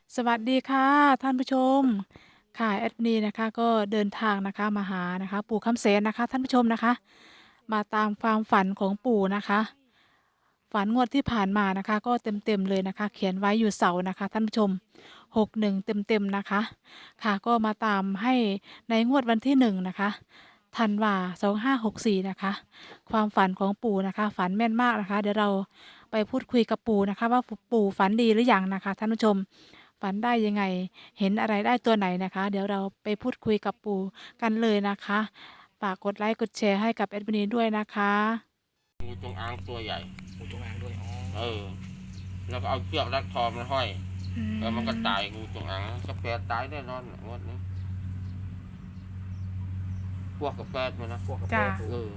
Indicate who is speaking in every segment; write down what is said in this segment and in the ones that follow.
Speaker 1: สวัสดีค่ะท่านผู้ชมค่ะแอดมินนะคะก็เดินทางนะคะมาหานะคะปู่คำเสนนะคะท่านผู้ชมนะคะมาตามความฝันของปู่นะคะฝันงวดที่ผ่านมานะคะก็เต็มๆเลยนะคะเขียนไว้อยู่เสานะคะท่านผู้ชม61เต็มๆนะคะค่ะก็มาตามให้ในงวดวันที่1นะคะธันวา2564นะคะความฝันของปู่นะคะฝันแม่นมากนะคะเดี๋ยวเราไปพูดคุยกับปู่นะคะว่าปู่ฝันดีหรือยังนะคะท่านผู้ชม ฝันได้ยังไง เห็นอะไรได้ตัวไหนนะคะ เดี๋ยวเราไปพูดคุยกับปู่กันเลยนะคะฝากกดไลค์กดแชร์ให้กับแอดมินด้วยนะคะ
Speaker 2: งูจงอางตัวใหญ่
Speaker 3: งูจงอางด้วยอ๋อ
Speaker 2: เออแล้วก็เอาเชือกรัดคอมันห้อย
Speaker 1: อื
Speaker 2: แล้วมันก็
Speaker 1: ม
Speaker 2: ตายงูจงอางกระแปดตายแน่นอนงวดนี้พวกกระแปดมันนะ
Speaker 3: พวกกระแป
Speaker 1: จ้า
Speaker 3: สู
Speaker 2: เออ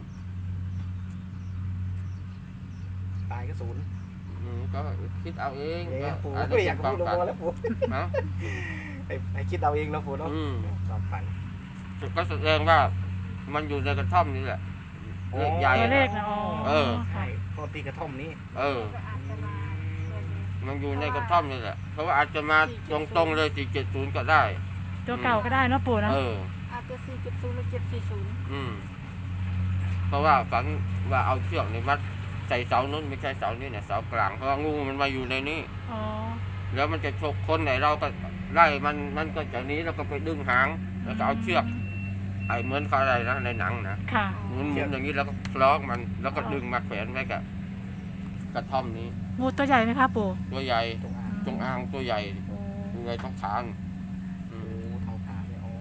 Speaker 3: ตายก็ศูนย์
Speaker 2: ก็คิดเอาเอง
Speaker 3: เนี่ยปู่
Speaker 2: อัน
Speaker 3: ไม่
Speaker 2: นี้
Speaker 3: อยาก
Speaker 2: เป็นความฝัน
Speaker 3: พูดลงมาแล้วปู่
Speaker 2: นะ
Speaker 3: ให้คิดเอาเองแล้วปู่เนาะ
Speaker 2: อืม
Speaker 3: ความฝัน
Speaker 2: ก็แสดงว่ามันอยู่ในกระท่อมนี่แหละเลขใหญ่
Speaker 1: ตัวเลข
Speaker 2: นะ
Speaker 1: นะอ๋อ
Speaker 2: เออ
Speaker 3: ใช่พอตีกระท่อมนี้
Speaker 2: เออมันอยู่ในกระท่อมนี่แหละเพราะว่าอาจจะมาตรงๆเลย470ก็ได้
Speaker 1: ตัวเก่าก็ได้เนาะปู่เนาะ
Speaker 2: เออ
Speaker 4: อาจจะ470หรือ740
Speaker 2: อืมเพราะว่าฝันว่าเอาเชือกในมัดใส่เสานู้นไม่ใช่เสานี้เนี่ยเสากลางเพราะว่างูมันมาอยู่ในนี้
Speaker 1: อ๋อ
Speaker 2: แล้วมันจะฉกคนไหนเราก็ไล่มันก็จากนี้แล้วก็ไปดึงหางแล้วก็เอาเชือกไอ้เหมือนเขาอะไรนะในหนังนะ
Speaker 1: ค่ะ
Speaker 2: หมุนอย่างนี้แล้วก็คล้องมันแล้วก็ดึงมาแขวนไว้กับกระท่อมนี้
Speaker 1: งูตัวใหญ่ไหมคะปู่
Speaker 2: ตัวใหญ่
Speaker 3: จงอาง
Speaker 2: จงอางตัวใหญ่
Speaker 1: โอ้
Speaker 2: อยู่ในท้องขาอื
Speaker 3: โอ้
Speaker 2: ม
Speaker 3: เท้าขาเนี่ยอ๋อ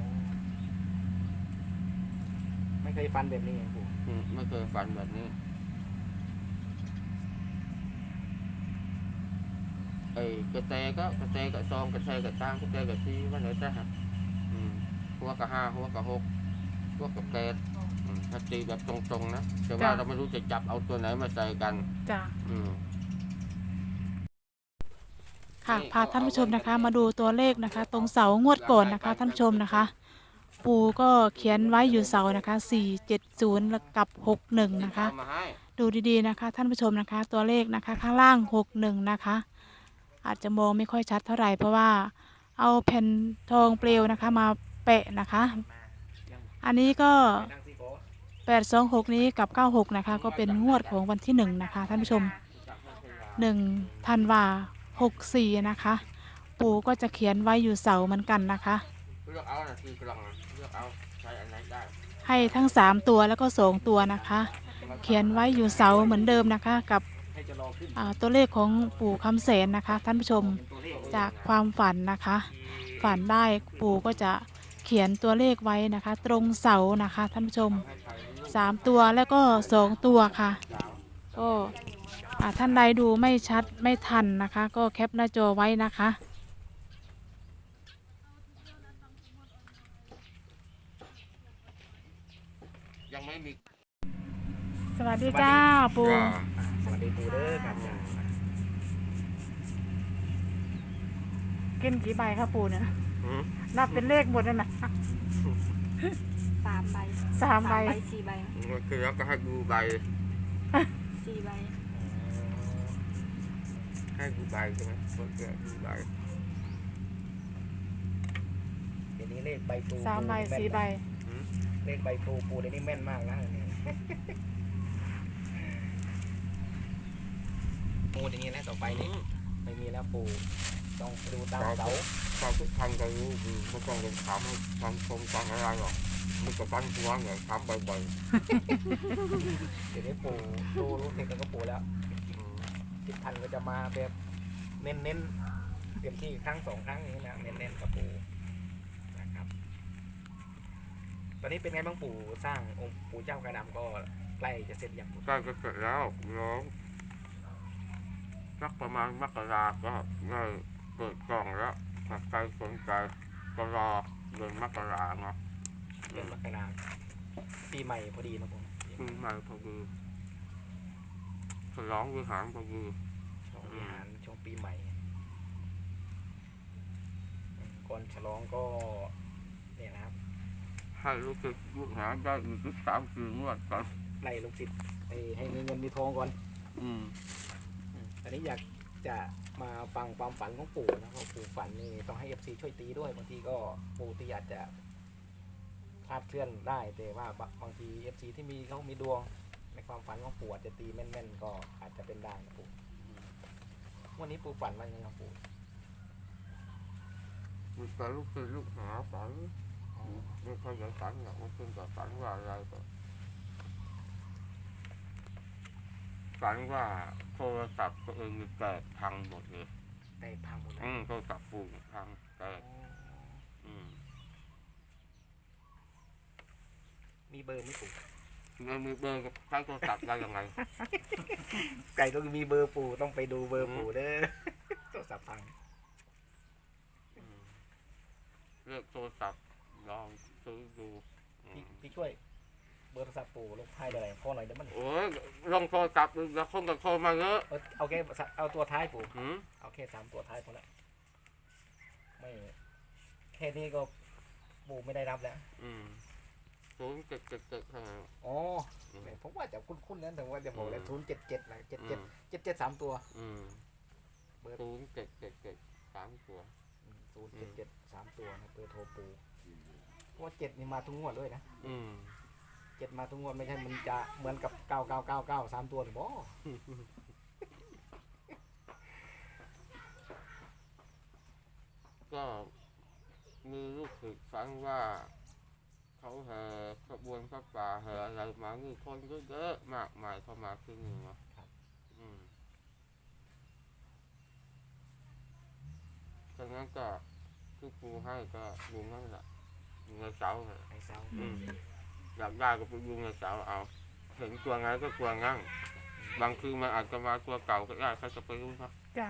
Speaker 3: ไม่เคยฟันแบบนี้ไงปู่
Speaker 2: ไม่เคยฝันแบบนี้ไอ้กระเตกระซองกระเตกระตั้งกระเตกระซีว่าไหนแต่ฮะหัวกระห้าหัวกระหกหัวกระแปดถ้าตีแบบตรงๆนะแต่ว่าเราไม่รู้จะจับเอาตัวไหนมาใส่กัน
Speaker 1: จ้า
Speaker 2: อืม
Speaker 1: ค่ะพาท่านผู้ชมนะคะ มาดูตัวเลขนะคะ ตรงเสางวดก่อนนะคะท่านผู้ชมนะคะ ปู่ก็เขียนไว้อยู่เสานะคะ470แล้วกับ61นะคะ
Speaker 2: เอามาให้
Speaker 1: ดูดีๆนะคะท่านผู้ชมนะคะตัวเลขนะคะข้างล่าง61นะคะอาจจะมองไม่ค่อยชัดเท่าไหร่เพราะว่าเอาแผ่นทองเปลวนะคะมาแปะนะคะอันนี้ก็
Speaker 3: นั่งสิโก้
Speaker 1: 826นี้กับ96นะคะก็เป็นงวดของวันที่1นะคะท่านผู้ชม1ธันวา64นะคะปู่ก็จะเขียนไว้อยู่เสาเหมือนกันนะคะ
Speaker 2: เลือกเอานะคือกล่องเลือกเอาใช้อันไหนได้
Speaker 1: ให้ทั้ง3ตัวแล้วก็2ตัวนะคะเขียนไว้อยู่เสาเหมือนเดิมนะคะกับ
Speaker 3: ให้จะรอขึ้น
Speaker 1: ตัวเลขของปู่คำเสนนะคะท่านผู้ชมจากความฝันนะคะฝันได้ปู่ก็จะเขียนตัวเลขไว้นะคะ ตรงเสานะคะท่านผู้ชม3ตัวแล้วก็2ตัวค่ะก็ท่านใดดูไม่ชัดไม่ทันนะคะ ก็แคปหน้าจอไว้นะคะ
Speaker 2: ยังไม่มี
Speaker 1: สวัสดีจ้าปู่
Speaker 3: สวัสดีปู่เด้อครับจ้า
Speaker 1: กินกี่ใบครับปู่เนี่ยนับเป็นเลขหมดนั่นนะ
Speaker 4: 3 ใบ
Speaker 1: 3 ใบ
Speaker 4: 4 ใบ
Speaker 2: คือแล้วก็ให้ดูใบ
Speaker 4: 4 ใบ
Speaker 2: ให้ดูใบใช่ไหมคนเกิดดูใบ
Speaker 3: เดี๋ยวนี้เลขใบปู
Speaker 1: 3 ใบ 4 ใบ
Speaker 3: เลขใบปูเดี๋ยวนี้แม่นมากนะเนี่ยปูอย่างนี้แล้วต่อไปนี่ไม่มีแล้วปูต้องดูตามเสา
Speaker 2: ความทุกท่านก็รู้คือไม่ต้องลงถามความชมฟังอะไรหรอกมันก็ฟันหัวเนี่ยถามบ่อย
Speaker 3: เดี๋ยวนี้ปูรู้เทคนิคก็ปูแล้วทิศพันก็จะมาแบบเน้นเต็มที่ครั้ง2 ครั้งนี้นะเน้นกับปูนะครับตอนนี้เป็นไงบ้างปู่สร้างองค์ปู่เจ้ากระดำก็ใกล้จะเสร็จอย่าง
Speaker 2: ใกล้จะเสร็จแล้วน้องสักประมาณมกราก็ได้เปิดกล่องแล้วถ้าใครสนใจก็รอเดือนมกราเนาะ
Speaker 3: เดือนมกราปีใหม่พอดีนะผม
Speaker 2: ปีใหม่พอดีฉลองวิหารพอดี
Speaker 3: วิหารช่วงปีใหม่ก่อนฉลองก็เนี่ยนะครับ
Speaker 2: ให้ลูกศิษย์ลูกหาได้อีก3-4 งวดก่อน
Speaker 3: ไล่ลูกศิษย์ให้มีเงินมีทองก่อนอันนี้อยากจะมาฟังความฝันของปู่นะเพราะปู่ฝันนี่ FC ช่วยตีด้วยบางทีก็ปู่ตีอาจจะคลาดเคลื่อนได้แต่ว่าบางที FC ที่เขามีดวงในความฝันของปู่อาจจะตีแม่นๆก็อาจจะเป็นได้นะปู่วันนี้ปู่ฝันว่ายังไงครับปู่
Speaker 2: มีแต่ลูกศิษย์ลูกหาฝันไม่ค่อยจะฝันหรอกมันเป็นแต่ฝันว่าอะไรก็ฝันว่าโทรศัพท์ตัวเองมีแตกพังหมดเลย
Speaker 3: แต่พังหมดเลย
Speaker 2: โทรศัพท์ปู่พังแตก
Speaker 3: มีเบอร์ไหมปู่
Speaker 2: มันมีเบอร์กับใช้โทรศัพท์ได้ยังไง
Speaker 3: ไก่ต้องมีเบอร์ปู่ต้องไปดูเบอร์ปู่เด้อ โทรศัพท์พัง
Speaker 2: เลือกโทรศัพท์ลองซื้อดูอืม
Speaker 3: พี่ช่วยเบอร์โทรศัพท์ปู่ลงท้ายอะไรพ่อหน่อยเดี๋ยวมัน
Speaker 2: โอ้ยลองโทรศัพท์แล้วคนกับโทรมาเยอะ
Speaker 3: เอาแค่เอาตัวท้ายปู่
Speaker 2: หืม
Speaker 3: เอาแค่3ตัวท้ายพอละไม่แค่นี้ก็ปู่ไม่ได้รับแล้ว
Speaker 2: 0777ข้างหลัง
Speaker 3: อ๋อแหมผมว่าจะคุ้นๆนั้นแต่ว่าจะบอกเลย077นะ77 3ตัว เบอร์
Speaker 2: 0777 3 ตัว
Speaker 3: 077 3ตัวนะเบอร์โทรปู่เพราะว่า7นี่มาทุกงวดเลยนะ7มาทุกงวดไม่ใช่มันจะเหมือนกับ9999 3ตัวหรือบ่
Speaker 2: ก็มีลูกศิษย์ฟังว่า เขาแห่ขบวนพระป่าแห่อะไรมามีคนเยอะๆมากมายเข้ามาที่นี่เนาะดังนั้นก็ที่ปูให้ก็ยุงนั่นแหละยุงในเสาเนี่ย
Speaker 3: ไอ้เสา
Speaker 2: อยากได้ก็ไปยุงในเสาเอา เห็นตัวไงก็ตัวงั้งบางทีมันอาจจะมาตัวเก่าก็ได้ใครจะไปรู้ครับ
Speaker 1: จ้ะ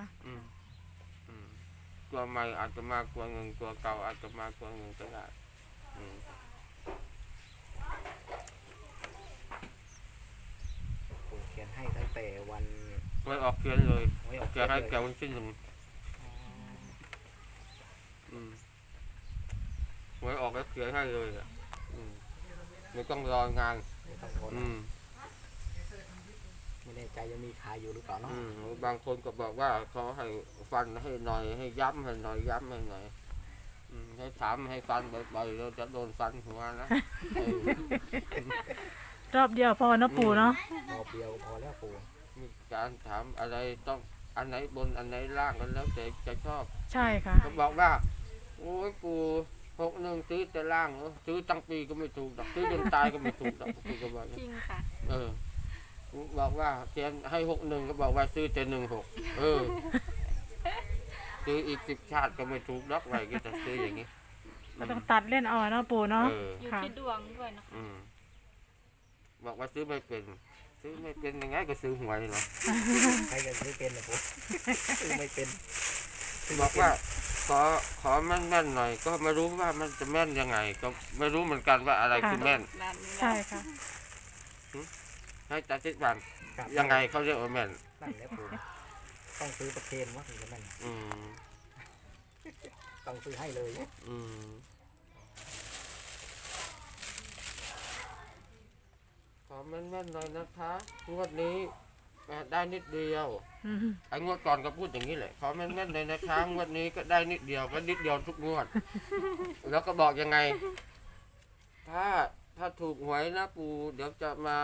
Speaker 2: ตัวใหม่อาจจะมาตัวหนึ่งตัวเก่าอาจจะมาตัวหนึ่งก็ได้
Speaker 3: ปู่เขียนให้ตั้งแต่วัน
Speaker 2: ไว้ออกเขียนเลย
Speaker 3: ไว้ออก
Speaker 2: เขียนให้แกวันที่1ไว้ออกแล้วเขียนให้เลยอ่ะไม่ต้องรองาน
Speaker 3: ไม่ต้องโทรนะไม่แน่ใจยังมีขายอยู่หรือเปล่าเนาะ
Speaker 2: บางคนก็บอกว่าเขาให้ฟันให้หน่อยให้ย้ำให้หน่อยย้ำให้หน่อยให้ถามให้ฟันบ่อยๆเราจะโดนฟันหัวนะเออ
Speaker 1: รอบเดียวพอเนาะปู่เนาะ
Speaker 3: รอบเดียวพอแล้วปู่
Speaker 2: มีการถามอะไรต้องอันไหนบนอันไหนล่างกันแล้วแต่จะชอบ
Speaker 1: ใช่ค่ะ
Speaker 2: เขาบอกว่าโอ้ยปู่61ซื้อแต่ล่างซื้อตั้งปีก็ไม่ถูกดอกซื้อจนตายก็ไม่ถูกดอกปู่ก็บอก
Speaker 4: จริงค่ะ
Speaker 2: บอกว่าเขียนให้61ก็บอกว่าซื้อแต่16ซื้ออีก10 ชาติก็ไม่ถูกดอกไรก็จะซื้ออย่างนี้
Speaker 1: ก็ต้องตัดเล่นเอาเนาะปู่เนาะ
Speaker 4: อยู่
Speaker 1: ค่ะ
Speaker 4: ที่ดวงด้วยนะคะ
Speaker 2: บอกว่าซื้อไม่เป็นยังไงก็ซื้อหวยเนาะ
Speaker 3: ใครจะซื้อเป็นนะปู่ซื้อไม่เป็น
Speaker 2: บอกว่าขอแม่นๆหน่อย ก็ไม่รู้ว่ามันจะแม่นยังไง ก็ไม่รู้เหมือนกันว่าอะไรคือแม่น
Speaker 4: นานนี้
Speaker 1: ใช่ค่ะ
Speaker 2: ให้ตัดสินบัน
Speaker 3: ครับ
Speaker 2: ยังไงเขาเรียกว่าแม่น
Speaker 3: นั่นแหละปู่ต้องซื้อประเคนวะถึงจะแม่น
Speaker 2: อืม
Speaker 3: ต้องซื้อให้เลย
Speaker 2: อืมขอแม่นๆหน่อยนะคะงวดนี้ได้นิดเดียว
Speaker 1: อืม
Speaker 2: ไอ้งวดก่อนก็พูดอย่างนี้แหละขอแม่นๆเลยนะคะงวดนี้ก็ได้นิดเดียวก็นิดเดียวทุกงวด แล้วก็บอกยังไง ถ้าถูกหวยนะปู่เดี๋ยวจะมา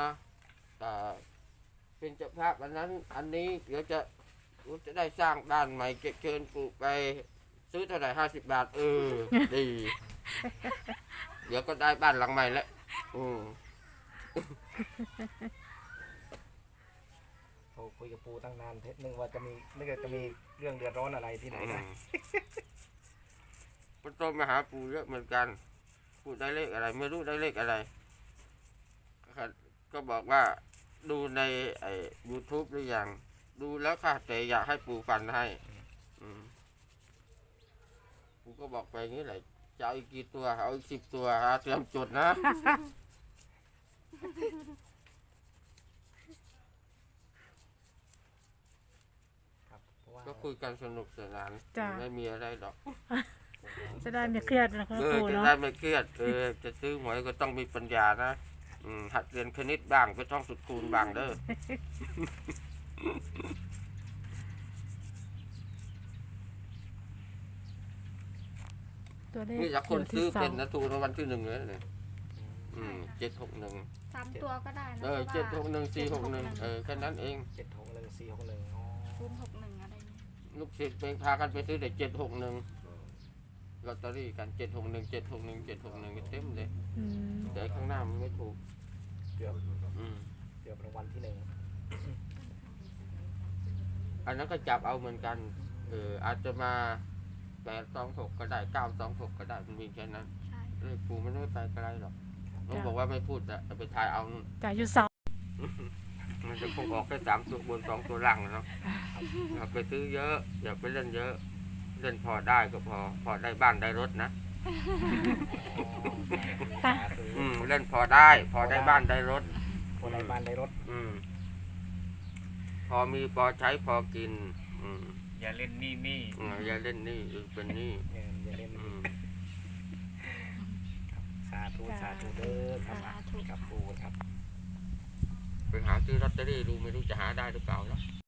Speaker 2: เป็นเจ้าภาพอันนั้น อันนี้เดี๋ยวจะได้สร้างบ้านใหม่เชิญปู่ไปซื้อเท่าไหร่50 บาทดี เดี๋ยวก็ได้บ้านหลังใหม่แล้ว
Speaker 3: โทรคุยกับปู่ตั้งนานเทนึกว่าจะมีเรื่องเดือดร้อนอะไรที่ไหนนะ
Speaker 2: ก็ต้องมาหาปู่เยอะเหมือนกันปู่ได้เลขอะไร ไม่รู้ได้เลขอะไร ก็บอกว่าดูในYouTube หรือยังดูแล้วค่ะแต่อยากให้ปู่ฟันให้ปู่ก็บอกไปอย่างนี้แหละจะเอาอีกกี่ตัวเอาอีก10 ตัวเตรียมจดนะ
Speaker 3: ครับเพราะว่า
Speaker 2: ก็คุยกันสนุกสนาน
Speaker 1: จ้ะ
Speaker 2: ไม่มีอะไรหรอก
Speaker 1: จะได้ไม่เครียดนะคะปู่
Speaker 2: จะ
Speaker 1: เนาะ
Speaker 2: ได้ไม่เครียดจะซื้อหวยก็ต้องมีปัญญานะหัดเรียนคณิตบ้างไปท่องสุดคูณบ้างเด้อ
Speaker 3: ป
Speaker 1: ตัวเลข
Speaker 2: นี่ถ้าคน
Speaker 1: อยู่ที่
Speaker 2: ซื้อ
Speaker 1: เสา
Speaker 2: เป็นนะถูกรางวัลที่1เลยเนี่ย761
Speaker 4: 3 ตัวก็ได้นะ
Speaker 2: 761 461แค่นั้นเอง
Speaker 3: 761 461อ๋อ
Speaker 4: 061อะไรเนี่ย
Speaker 2: ลูกศิษย์ไปพากันไปซื้อแต่761ลอตเตอรี่กัน761 761 761เต็มเลย
Speaker 1: อืม
Speaker 2: แต่ข้างหน้ามันไม่ถูก
Speaker 3: เกือบ
Speaker 2: อืม
Speaker 3: เกือบรางวัลที่ 1
Speaker 2: อันนั้นก็จับเอาเหมือนกันอาจจะมา826ก็ได้926ก็ได้มันมีแค่นั้น
Speaker 4: ใช่
Speaker 2: เลขปู่มันไม่ไปไกลหรอกน้องบอกว่าไม่พูดจะไปทายเอานู่น
Speaker 1: จ่ายอยู่เสา
Speaker 2: มันจะคงออกแค่3 ตัวบน2 ตัวล่างเนาะอย่าไปซื้อเยอะอย่าไปเล่นเยอะ เล่นพอได้ก็พอได้บ้านได้รถนะ
Speaker 3: สาธุ
Speaker 2: เล่นพอได้บ้านได้รถ
Speaker 3: คนในบ้านได้รถ
Speaker 2: พอมีพอใช้พอกิน
Speaker 5: อย่าเล่นนี่
Speaker 2: อย่าเล่นหนี่เป็นหนี่
Speaker 3: อย่าเล่นสาธุสาธุเด้อครับครับปูครับ
Speaker 2: ไปหาซื้อลอตเตอรี่ดูไม่รู้จะหาได้หรือเปล่าเนาะ